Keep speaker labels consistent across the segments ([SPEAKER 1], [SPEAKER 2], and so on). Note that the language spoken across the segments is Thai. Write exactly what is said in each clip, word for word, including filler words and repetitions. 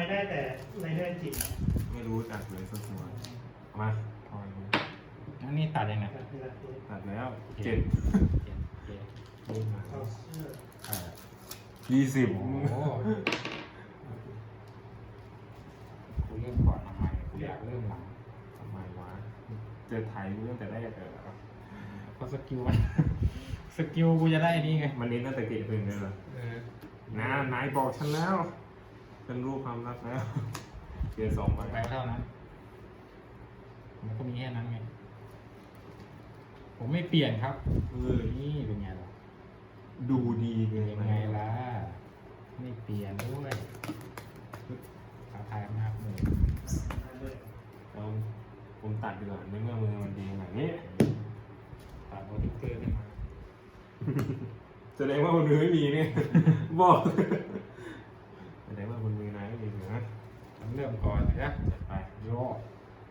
[SPEAKER 1] ได้แต่ไรเดอร์จิ๋ม
[SPEAKER 2] ไม่รู้จักเลยสักตัวเอามาทอยดู
[SPEAKER 3] อันนี้ตัดยังไง
[SPEAKER 1] แบบเวลาเทส
[SPEAKER 2] ตัดแล้วเจ็ด
[SPEAKER 3] เจ็ดเจ็ด
[SPEAKER 2] ยี่มา
[SPEAKER 1] เข้าเสื้อ
[SPEAKER 3] แปด
[SPEAKER 2] ยี่สิบ
[SPEAKER 3] โอ้โหกูเริ่มก่อนทำไมกูอยากเริ่มหลัง
[SPEAKER 2] ทำไมวะเจอไทยกูตั้งแต่แรกเออ
[SPEAKER 3] เพราะสกิลมัน สกิลกูจะได้นี่ไง
[SPEAKER 2] มันเน้นตั้งแต่เกตเพลงเลยเหรอ
[SPEAKER 3] เออ
[SPEAKER 2] น้านายบอกฉันแล้วฉันรู้ความรักแล้วเกียร์สองไป
[SPEAKER 3] ไปเท่านั้น มันก็มีแค่นั้นไง ผมไม่เปลี่ยนครับ
[SPEAKER 2] เออ
[SPEAKER 3] นี่เป็นไงล่ะ
[SPEAKER 2] ดูดีเกิน
[SPEAKER 3] เป็น
[SPEAKER 2] ไป
[SPEAKER 3] ไงล่ะ ไม่เปลี่ยนด้วยท้าทายมากเลย
[SPEAKER 2] เราผมตัดดีกว่าในเมื่อมือมันดีแบบนี้
[SPEAKER 3] ตัดโบนิเกอร์ขึ้นมา
[SPEAKER 2] แสดงว่าบนมือไม่มีเนี่ย บอกแสดงว่าบนมือนายไม่มีเหรอ
[SPEAKER 3] ผมเริ่มก่อนนะ
[SPEAKER 2] จัดไป
[SPEAKER 3] โยก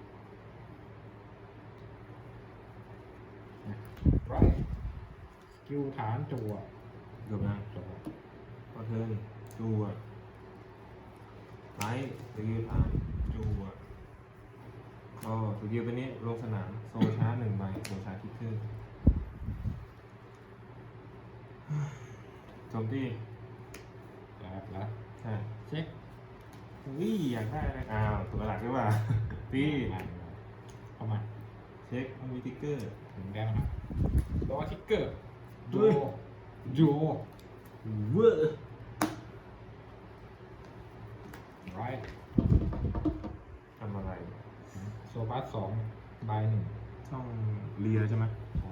[SPEAKER 3] ไรสกิลฐานจั่ว
[SPEAKER 2] เกือบยัง
[SPEAKER 3] จั่ว
[SPEAKER 2] พอเทิร์นจัวไลท์สกิลฐานจัวก็สกิลตัวนี้ลงสนามโซชาร์จหนึ่งใบโซชาร์จคิกขึ้นโจมตี
[SPEAKER 3] แล้วแล้ว
[SPEAKER 2] ใช่
[SPEAKER 3] เช็ค
[SPEAKER 2] วิ่อยากได้เลยอ้าวตัวหลักหรือเปล่าตี
[SPEAKER 3] เข้ามา
[SPEAKER 2] เช็คไม่มีติ๊กเกอร์
[SPEAKER 3] ถึงแก้วนะตัวทิกเกอร์โย
[SPEAKER 2] เฮ้ย
[SPEAKER 3] โย
[SPEAKER 2] เวอร์
[SPEAKER 3] ไร
[SPEAKER 2] ทำอะไร
[SPEAKER 3] โซบัสสองใบหนึ่ง
[SPEAKER 2] ช่องเลียใช่ไหม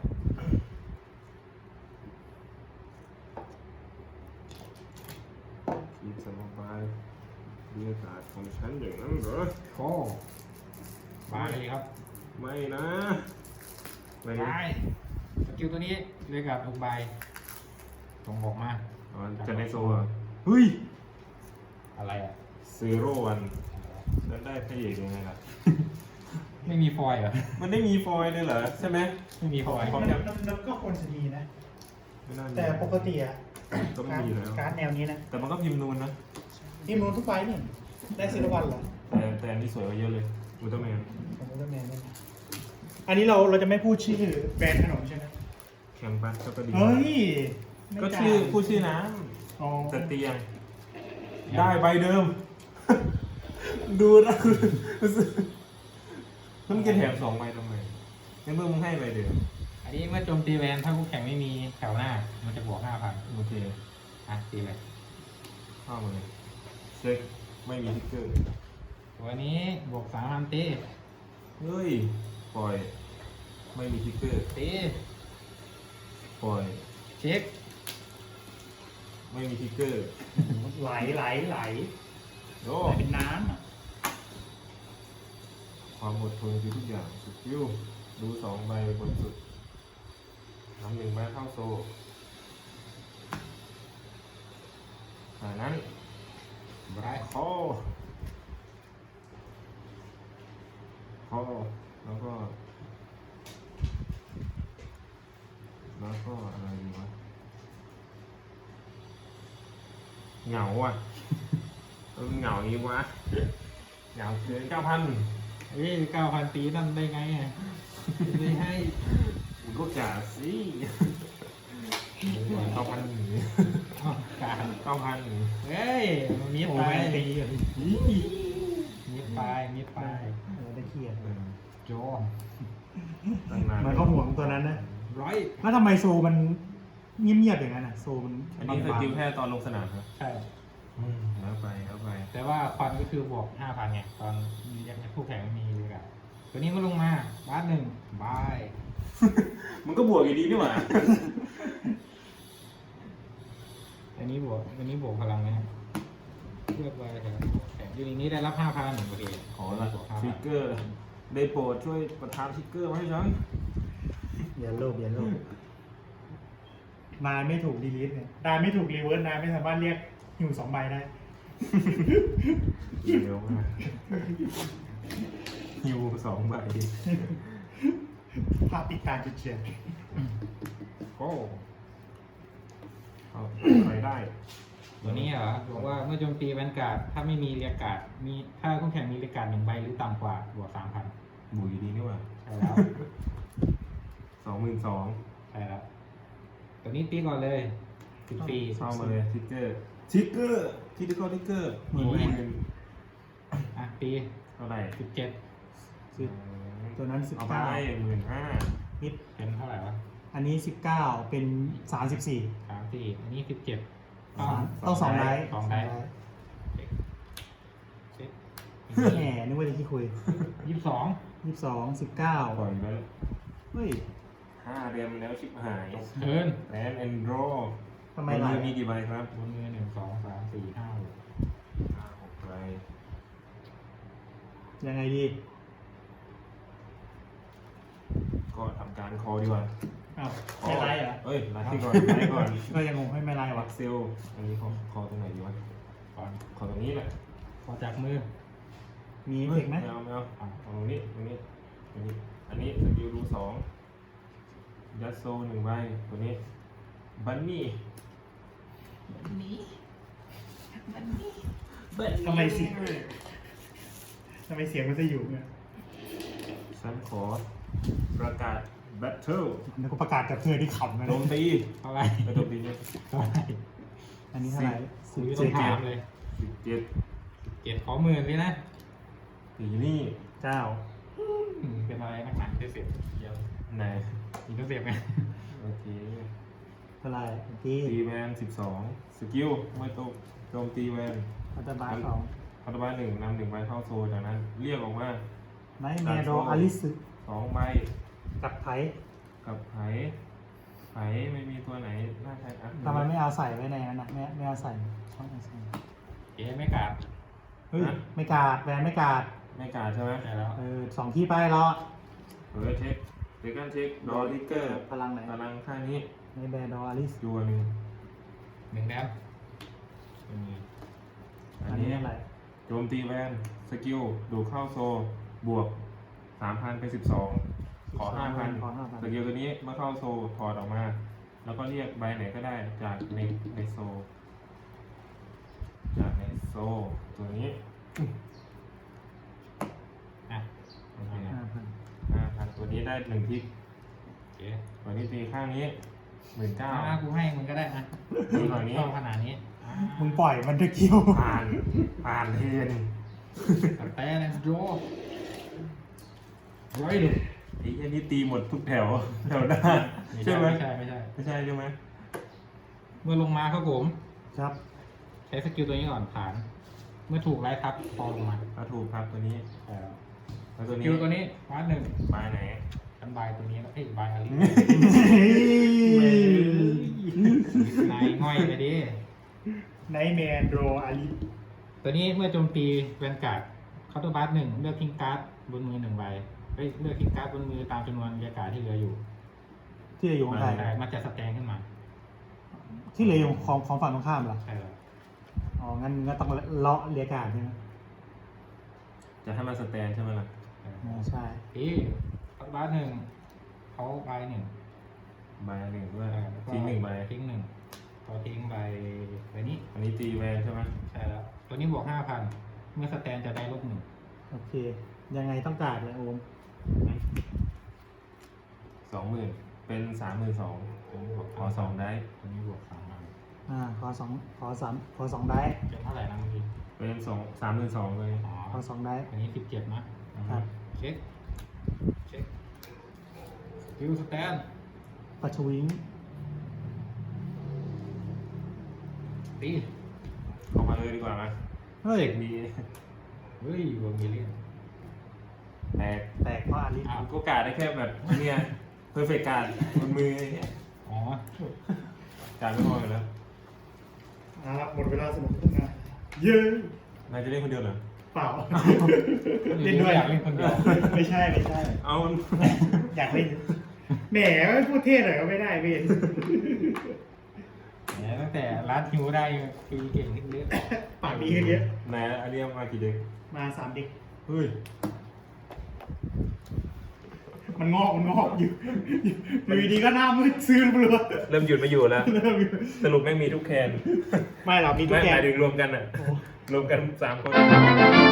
[SPEAKER 2] คีบสมบายเรียกาศของฉันอย่างนั้นเหรอ
[SPEAKER 3] โค้บายครับ
[SPEAKER 2] ไม่นะไม่
[SPEAKER 3] บายสกิลตัวนี้เรียกกับทุกใบส่งออกมา
[SPEAKER 2] อ๋อจะในโซ่อะเฮ้ย
[SPEAKER 3] อะไรอ่ะ
[SPEAKER 2] ซีโร่วันแล้วได้พระเอกยังไงล่ะ
[SPEAKER 3] ไม่มีฟอยล์เหรอ
[SPEAKER 2] มันได้มีฟอยล์เลยเหรอใช่ไหม
[SPEAKER 3] ไม่มีฟอยล์
[SPEAKER 2] ข
[SPEAKER 1] มั
[SPEAKER 2] ง
[SPEAKER 1] นมันมันก็ควรจะมีนะ
[SPEAKER 2] ไม่น่ามี
[SPEAKER 1] แต่ปกติอะ
[SPEAKER 2] ก็ไม่มีแล้ว
[SPEAKER 1] การ์ดแนวนี้นะ
[SPEAKER 2] แต่มันก็พิมพ์นูนนะ
[SPEAKER 1] ทีมนู้นทุกใบนี่ได้ซีรวันเหรอ
[SPEAKER 2] แต่แต่อันนี้สวยกว่าเยอะเลยอุลตร้าแมน
[SPEAKER 1] ผมก็แมนนี่อันนี้เราเราจะไม่พูดชื่อแบรนด์ขนมใช่ไหม
[SPEAKER 2] แคมปัสก็ดี
[SPEAKER 1] เฮ้ย
[SPEAKER 2] ก็ชื่อผู้ชื่อน้
[SPEAKER 1] อ๋อ
[SPEAKER 2] ำแต่เตียง ได้ใบเดิม ดูนะมันจะแถมสองใบทำไมในเมื่อมึงให้ใบเดิม
[SPEAKER 3] อันนี้เมื่อโจมตีแวนถ้าคู่แข่งไม่มีแถวหน้า มันจะบวกห้าพัน
[SPEAKER 2] โอเค
[SPEAKER 3] อ่ะตีเลย
[SPEAKER 2] เข้ามาเลยเช็คไม่มีทิกเกอร์
[SPEAKER 3] ตัวนี้บวกสามพันตี
[SPEAKER 2] เฮ้ย ปล่อย ไม่มีทิกเกอร์
[SPEAKER 3] ตี
[SPEAKER 2] ปล่อย
[SPEAKER 3] เช็ค
[SPEAKER 2] ไม่มีทิกเกอร์
[SPEAKER 1] ไหลไหลไหล
[SPEAKER 2] โอ้
[SPEAKER 1] ไหลเป็นน้ำอะ
[SPEAKER 2] ความอดทนคือทุกอย่างสุดยิ้วดูสองใบบนสุดทำหนึ่งใบเข้าโซ่จากนั้น
[SPEAKER 3] ไร
[SPEAKER 2] คอคอแล้วก็ แล้วก็อะไรดีวะเหงาอ่ะเออเหงาอีกวะเหงาเกินเก้าพัน
[SPEAKER 3] เอ้ยเก้าพันตีนั่นได้ไงอ่ะไม่ให้
[SPEAKER 2] มึงก็จ่าสิเก้าพัน
[SPEAKER 3] อ้าวการ
[SPEAKER 2] เก้าพัน
[SPEAKER 3] เฮ้ยมันมี
[SPEAKER 1] โอ้
[SPEAKER 3] ไป
[SPEAKER 1] แมนตีอะ
[SPEAKER 3] มีไปมีไป
[SPEAKER 1] เออได้เครียด
[SPEAKER 3] โจ
[SPEAKER 2] ตั้งนาน
[SPEAKER 1] มันก็ห่วงตัวนั้นนะ
[SPEAKER 3] ร้อย
[SPEAKER 1] แล้วทำไมโซมันเงียบๆอย่างนั้นอ่ะโซมัน
[SPEAKER 2] อันนี้สกิลแค่ตอนลงสนามครับ
[SPEAKER 3] ใช่
[SPEAKER 2] แล้วไปแล้วไป
[SPEAKER 3] แต่ว่าควันก็คือบวกห้าพันไงตอนยังคู่แข่งไม่มีเลยอะตัวนี้ก็ลงมาบาสหนึ่งบาย
[SPEAKER 2] มันก็บวกอยู่ดีนี่หว่า
[SPEAKER 3] อันนี้บวกอันนี้บวกพลังนะเลือกไปแถวแข่งยูนินี้ได้รับห้าพันโอเค
[SPEAKER 2] ขอละ
[SPEAKER 3] บวกห้า
[SPEAKER 2] ทิ
[SPEAKER 3] พั
[SPEAKER 2] ก
[SPEAKER 3] น
[SPEAKER 2] เกอร์ ได้โปรดช่วยประทานทิกเกอร์มาให้ฉัน
[SPEAKER 1] อย่าโลภอย่าโลภนายไม่ถูกดีลิทเนี่ยนายไม่ถูกรีเวิร์สนายไม่สามารถเรียกหิวสองใบได้
[SPEAKER 2] เร็วมากฮิวสองใบ
[SPEAKER 1] ภาพปิดตาจุดเฉียด
[SPEAKER 3] โก้
[SPEAKER 2] เอาไปได้
[SPEAKER 3] ตัวนี้เหรอบอกว่าเมื่อโจมตีแวนการ์ดถ้าไม่มีเรียกการ์ดมีถ้าคู่แข่งมีเรียกการ์ดหนึ่งใบหรือต่ำกว่าบวกสามพัน
[SPEAKER 2] บุยดีนี่หว่า
[SPEAKER 3] ใช่แล้ว
[SPEAKER 2] สองหมื่นสอง
[SPEAKER 3] ใช่แล้วตัวนี้ตีก่อนเลยสิบสี่
[SPEAKER 2] เข้ามาเลยทิกเกอร์ทิกเกอร์ทิกเกอร์ทิกเกอร์
[SPEAKER 1] หมื่น
[SPEAKER 2] หมื่น
[SPEAKER 3] อ่ะตี
[SPEAKER 2] เท่าไหร่
[SPEAKER 3] สิบเจ็ด
[SPEAKER 1] สิบตัวนั้นสิบ
[SPEAKER 2] เอาไป
[SPEAKER 1] เก้า
[SPEAKER 2] หมื่นห้า
[SPEAKER 1] นิด
[SPEAKER 3] เป็นเท่าไหร่วะ
[SPEAKER 1] อันนี้สิบเก้าเป็นสามสิบสี่
[SPEAKER 3] สามสี่อันนี้สิบเจ็ด
[SPEAKER 1] ต้องสองไดส์
[SPEAKER 3] สองไดส์ เช็ค
[SPEAKER 1] แหมนึกว่าจะที่คุย
[SPEAKER 3] ยี่สิบสอง
[SPEAKER 1] ยี่สิบสองสิบเก้า
[SPEAKER 2] ปล่อยไปแล้ว
[SPEAKER 1] เฮ้ย
[SPEAKER 2] ห้าเรียมแล้วชิบหาย
[SPEAKER 3] เทิร์น
[SPEAKER 2] แลนแอนด์โร
[SPEAKER 1] ทำไมล่ะ
[SPEAKER 2] มีกี่ใบครับ
[SPEAKER 3] บนมือหนึ่งสองสามสี่ห้าหก
[SPEAKER 2] ห้าหกใบ
[SPEAKER 1] ยังไงดี
[SPEAKER 2] ก็ทำการคอดีกว่า
[SPEAKER 1] อ้าวไม่ไลฟ์เหรอ
[SPEAKER 2] เอ้ยไลฟ์ก่อนไลฟ์ก่อน
[SPEAKER 1] ก็ยังงงให้ไม่ไลฟ์
[SPEAKER 2] วั
[SPEAKER 1] วะ
[SPEAKER 2] กเซลอันนี้คอคอตรงไหนดีวะ
[SPEAKER 3] ก่อน
[SPEAKER 2] คอตรงนี้แหละ
[SPEAKER 3] พอจากมือ
[SPEAKER 1] มีเทคไหม
[SPEAKER 2] ไม่เอาไม่เอาอ่ะเอาตรงนี้ตรงนี้ตรงนี้ อันนี้สกิลรูสองยัดโซหนึ่งใบตัวนี้บันนี่บันนี่บันนี่บันนี่
[SPEAKER 1] ทำไมเสียงทำไมเสียงมันจะอยู่เนี่ย
[SPEAKER 2] ฉันขอประกาศแบทเทิล
[SPEAKER 1] แล้วก็ประกาศกับเพื่อนที่ขำนะ
[SPEAKER 2] โจมตี
[SPEAKER 3] เท่าไหร่
[SPEAKER 2] กระโจมตีเนี่ย
[SPEAKER 3] เท่าไหร่
[SPEAKER 1] อันนี้เท่าไหร่
[SPEAKER 3] คุ
[SPEAKER 1] สิ
[SPEAKER 3] ย
[SPEAKER 1] บ
[SPEAKER 3] ต้อ
[SPEAKER 1] เจ็
[SPEAKER 3] ง
[SPEAKER 1] ด
[SPEAKER 3] ถามเลย
[SPEAKER 2] สิบเจ็ด
[SPEAKER 3] เจ็ดขอหมื่นเลยนะ
[SPEAKER 2] ตีนี่
[SPEAKER 1] เก้า
[SPEAKER 3] อืมเป็นอะไรนักหนาเสียเดี๋ยว
[SPEAKER 2] ไหน
[SPEAKER 3] อีกต้องเสียบไง
[SPEAKER 2] โอเค
[SPEAKER 1] เท่าไหร่ที่
[SPEAKER 2] ตีแวนสิบสองสกิลไม่ตกโจมตีแวน
[SPEAKER 1] อัตบาสอง
[SPEAKER 2] พัตบาหนึ่งนำหนึ่งใบเข้าโซนจากนั้น เรียกออกมา
[SPEAKER 1] ไนท์แมโรอลิส
[SPEAKER 2] สองใบ
[SPEAKER 1] กับไผ่
[SPEAKER 2] กับไผไผไม่มีตัวไหนน่าใช้อ่ะ
[SPEAKER 1] ทำไมไม่เอาใส่ไว้ในนั้นนะไม่ไม่เอาใส่ช่องเอาใส่
[SPEAKER 3] เจ๊ไม่กาด
[SPEAKER 1] เฮ้ยไม่กาดแบรนด์ไม่กาด
[SPEAKER 2] ไม่กาดใช่ไหม
[SPEAKER 3] ใช่แล้ว
[SPEAKER 1] เออสองที่ไปแล้ว
[SPEAKER 2] เออเช็คเช็คกันเช็คดอทิกเกอร์
[SPEAKER 1] พลังไหน
[SPEAKER 2] พลังข้างนี้
[SPEAKER 1] ในแบรนด์อลิส
[SPEAKER 2] จัวหนึ่ง
[SPEAKER 3] หนึ่งแดมอืม
[SPEAKER 2] อัน
[SPEAKER 1] อัน
[SPEAKER 2] นี้
[SPEAKER 1] นี้อะไร
[SPEAKER 2] โจมตีแวนสกิลดูดเข้าโซบวกสามพันเป็นสิบสองขอห้าพัน
[SPEAKER 1] ขอห้าพัน
[SPEAKER 2] สกิลตัวนี้เมื่อเข้าโซถอดออกมา แล้วก็เรียกใบไหนก็ได้จากในในโซ จากในโซตัวนี้
[SPEAKER 3] อ่ะ
[SPEAKER 2] โอเค
[SPEAKER 1] ห้าพัน
[SPEAKER 2] ห้าพันตัวนี้ได้หนึ่งทิก
[SPEAKER 3] เจ๊
[SPEAKER 2] ตัวนี้ตีข้างนี้หมื่นเก้า
[SPEAKER 3] อ่ะกูให้มึงก็ได้นะ
[SPEAKER 2] ดีกว่านี้
[SPEAKER 3] ชอบขนาดนี้อ่ะ
[SPEAKER 1] มึงปล่อยมันตะคิว
[SPEAKER 2] ผ่านผ่านเทน
[SPEAKER 3] แต่นะโจร้อยหนึ่ง
[SPEAKER 2] ไอ้อันนี้ตีหมดทุกแถว แถวหน้า
[SPEAKER 3] ไม่
[SPEAKER 2] ใช่
[SPEAKER 3] ใช่
[SPEAKER 2] ไหม
[SPEAKER 3] ไม่ใช่ไม่ใช่
[SPEAKER 2] ไม่ใช่ใช่ไหม
[SPEAKER 3] เมื่อลงมาครับผม
[SPEAKER 1] ครับ
[SPEAKER 3] ใช้สกิลตัวนี้ก่อนผ่าน เมื่อถูกไล่ทับพอลงมา
[SPEAKER 2] ถ้าถูกครับตัวนี้
[SPEAKER 3] ใช่แล้ว
[SPEAKER 2] แล้วตัว
[SPEAKER 3] ส
[SPEAKER 2] นี้
[SPEAKER 3] กิลตัวนี้วาดหนึ่ง
[SPEAKER 2] ใบไหน
[SPEAKER 3] ฉันบายตัวนี้แล้วเอ้ยบายอะไรนายง่อยไปดิ
[SPEAKER 1] ไนท์แมนโรอลิส
[SPEAKER 3] ตัวนี้เมื่อโจมตีแวนการ์ดเคาน์เตอร์บาร์หนึ่งเลือกทิ้งการ์ดบนมือหนึ่งใบเอ้ยเลือกทิ้งการ์ดบนมือตามจำนวนเรียกการ์ดที่เหลืออยู่
[SPEAKER 1] ที่เหลืออยู่ของใคร
[SPEAKER 3] ใช่มันจะสแตนขึ้นมา
[SPEAKER 1] ที่เหลืออยู่ของของฝั่งตรงข้ามเหรอ
[SPEAKER 3] ใช่แล้ว
[SPEAKER 1] อ๋อ งั้นก็ต้องเลาะเรียกการใช่ไหม
[SPEAKER 2] จะให้มันสแตนใช่ไหมล่ะ
[SPEAKER 1] อ๋อใช่
[SPEAKER 3] พี่เคาน์เตอร์บาร์หนึ่งเขาใบหนึ่ง
[SPEAKER 2] ใบหนึ่งด้วย
[SPEAKER 3] เออแล้วก็
[SPEAKER 2] ทิ้งหนึ่งใบ
[SPEAKER 3] ทิ้งหนึ่งพอทิ้งใบใบนี้
[SPEAKER 2] อันนี้ตีแวนใช่ไหม
[SPEAKER 3] ใช่แล้ว ตัวนี้บวกห้าพันเมื่อสแตนจะได้ลบหนึ่ง
[SPEAKER 1] โอเค ยังไงต้องการเลยโอม
[SPEAKER 2] สองหมื่นเป็นสามหมื่นสอง
[SPEAKER 3] ตัวนี้บวก
[SPEAKER 2] ขอสองได้
[SPEAKER 3] ตัวนี้บวกสามพัน
[SPEAKER 1] อ่า ขอสองขอสามขอสองได้
[SPEAKER 3] เป็นเท่าไหร่นะเมื่อกี้
[SPEAKER 2] เป็นสองสามหมื่นสองเลย
[SPEAKER 3] อ๋อ
[SPEAKER 1] ขอสองได้
[SPEAKER 3] อันนี้สิบเจ็ดนะครับ เช็คเช็คฟิวสแตน
[SPEAKER 1] ปัชวิง
[SPEAKER 3] ตี
[SPEAKER 2] เข้ามาเลยดีกว่าไหม
[SPEAKER 1] เฮ้ย
[SPEAKER 2] เด็กดี
[SPEAKER 3] เฮ้ยเวอร์มิเลียน
[SPEAKER 2] แตก
[SPEAKER 1] แตกเพราะอาลิส
[SPEAKER 2] อ่ะก็กาดได้แค่แบบเนี่ยเพอร์เฟกการ์ดบนมืออย่างเงี้ย
[SPEAKER 3] อ๋อ
[SPEAKER 2] การไม่พออยู่แล้ว
[SPEAKER 1] อ่าหมดเวลาสนุกทุกงานเย้
[SPEAKER 2] นายจะเล่นคนเดียวเหรอ
[SPEAKER 1] เปล่า
[SPEAKER 3] เล่นด้วยอยากเล่นคนเดียว
[SPEAKER 1] ไม่ใช่ ไม่ใช่
[SPEAKER 2] เอา
[SPEAKER 1] อยากเล่น แหมไม่พูดเทศหน่อยก็ไม่ได้เวน
[SPEAKER 3] แหมตั้งแต่ร้านฮิวได้คุยเก่งขึ้นเยอะ
[SPEAKER 1] ปากดีขึ้นเยอะ
[SPEAKER 2] นายอันนี้เอามากี่เด็ก
[SPEAKER 1] มาสามเด็ก
[SPEAKER 2] เฮ้ย
[SPEAKER 1] มันงอกมันงอกอยู่อยู่ดีก็หน้ามืดซื้อเปลือก
[SPEAKER 2] เริ่มหยุดไม่อยู่แล้ว สรุปแม่งมีทุกแคน
[SPEAKER 1] ไม่หรอกมีทุ
[SPEAKER 2] ไม่
[SPEAKER 1] กแก
[SPEAKER 2] หมายถึงรวมกันอ่ะ รวมกันสามคน